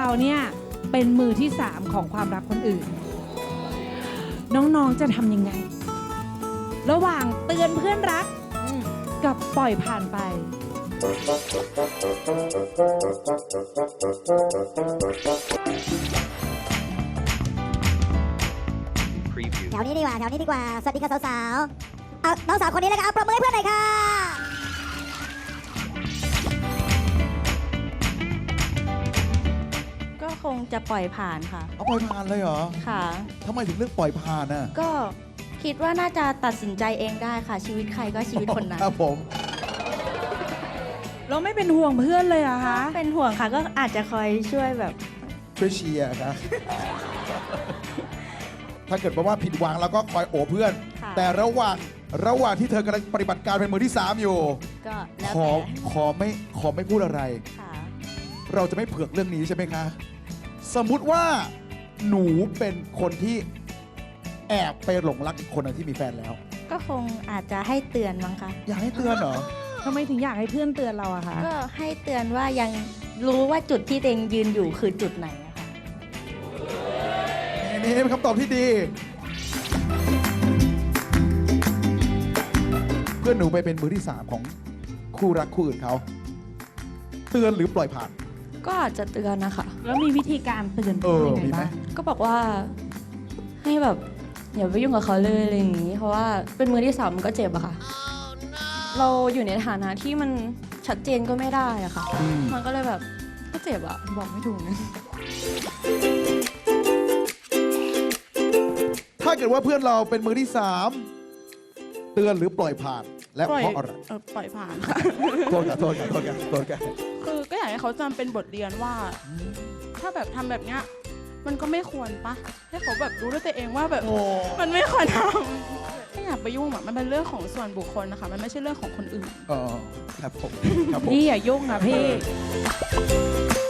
เนี่ยเป็นมือที่3ของความรักคนอื่นน้องๆจะทำยังไงระหว่างเตือนเพื่อนรักกับปล่อยผ่านไปแถวนี้ดีกว่าสวัสดีค่ะสาวๆเอาน้องสาวคนนี้เลยค่ะเอาปรบมือให้เพื่อนหน่อยค่ะก็คงจะปล่อยผ่านค่ะเอาปล่อยผ่านเลยเหรอค่ะทำไมถึงเลือกปล่อยผ่านน่ะก็คิดว่าน่าจะตัดสินใจเองได้ค่ะ ชีวิตใครก็ชีวิตคนนั้นครับผมเราไม่เป็นห่วงเพื่อนเลยเหรอคะเป็นห่วงค่ะก็อาจจะคอยช่วยแบบช่วยเชียร์ครับ ถ้าเกิดว่าผิดหวังเราก็คอยโอบเพื่อนค่ะแต่ระหว่างที่เธอกำลังปฏิบัติการเป็นมือที่ 3 อยู่ก็แล้วขอแต่ขอไม่พูดอะไรค่ะเราจะไม่เผือกเรื่องนี้ใช่ไหมคะ สมมุติว่าหนูเป็นคนที่แอบไปหลงรักอีกคนหนึงที่มีแฟนแล้วก็คงอาจจะให้เตือนมั้งคะอยากให้เตือนเหรอทำไมถึงอยากให้เพื่อนเตือนเราอะคะก็ให้เตือนว่ายังรู้ว่าจุดที่ตัวเองยืนอยู่คือจุดไหนอะค่ะนี่เป็นคำตอบที่ดี เพื่อนหนูไปเป็นมือที่ 3 ของคู่รักคู่อื่นเขา เตือนหรือปล่อยผ่านก็อาจจะเตือนนะคะแล้วมีวิธีการเตือน ยังไงมีไหมบ้างก็บอกว่าให้แบบอย่าไปยุ่งกับเขาเลยอะไรอย่างนี้ เพราะว่าเป็นมือที่3มันก็เจ็บอะค่ะ เราอยู่ในฐานะที่มันชัดเจนก็ไม่ได้อะค่ะ มันก็เลยแบบก็เจ็บอะบอกไม่ถูกนะถ้าเกิดว่าเพื่อนเราเป็นมือที่ 3 เตือนหรือปล่อยผ่าน และเพราะอะไรปล่อยผ่านค่ะโทษกันโทษกันโทษกันโทษกันคือก็อยากให้เขาจำเป็นบทเรียนว่า ถ้าแบบทำแบบเนี้ยมันก็ไม่ควรปะให้เขาแบบรู้ด้วยตัวเองว่าแบบโอ้มันไม่ควรทำไม่อยากไปยุ่งอะมันเป็นเรื่องของส่วนบุคคลนะคะ มันไม่ใช่เรื่องของคนอื่นครับผมครับผมพี่อย่ายุ่งนะพี่